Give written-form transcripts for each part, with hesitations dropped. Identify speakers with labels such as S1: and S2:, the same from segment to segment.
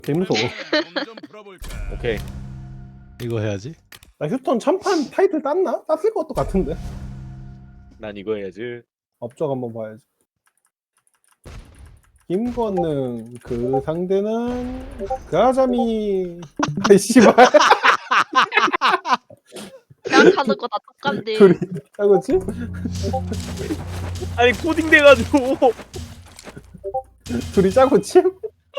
S1: 개 무서워.
S2: 오케이.
S3: 이거 해야지.
S1: 나 휴턴 참판 타이틀 땄나? 땄을 것도 같은데.
S2: 난 이거 해야지.
S1: 업적 한번 봐야지. 김건능 그 상대는 그 아자미. 아이 씨발.
S4: 생각하는 거 다 똑같네.
S1: 둘이 하고지?
S2: 아니 코딩 돼가지고.
S1: 둘이 짜고 침?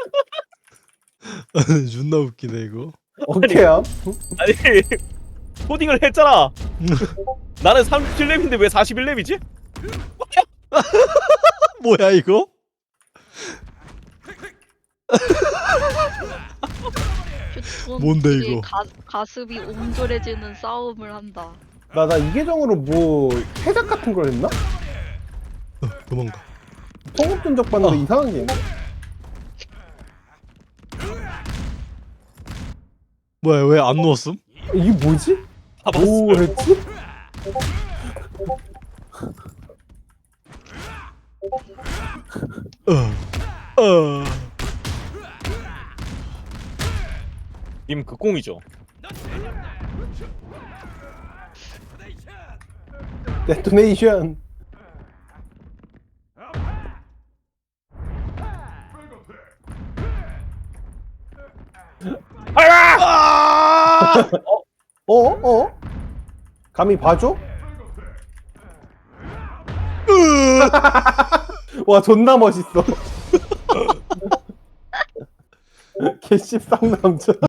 S3: 존나 웃기네 이거.
S1: 오케이야.
S2: 아니 코딩을 했잖아. 나는 37렙인데 왜 41렙이지?
S3: 뭐야 이거? 뭔데, 이거?
S4: 가슴이 옹졸해지는 싸움을 한다.
S1: 나 이 계정으로 뭐 해작 같은 걸 했나?
S3: 도망가.
S1: 통합 전적 봤는데 이상한 게 있네.
S3: 뭐야 왜 안 누웠음?
S1: 이게 뭐지?
S2: 다 봤어.
S1: 뭐 했지?
S3: 어.
S2: 님 극공이죠.
S1: 데토네이션. 어? 감히 봐줘? 와 존나 멋있어. 개씹 쌍남자.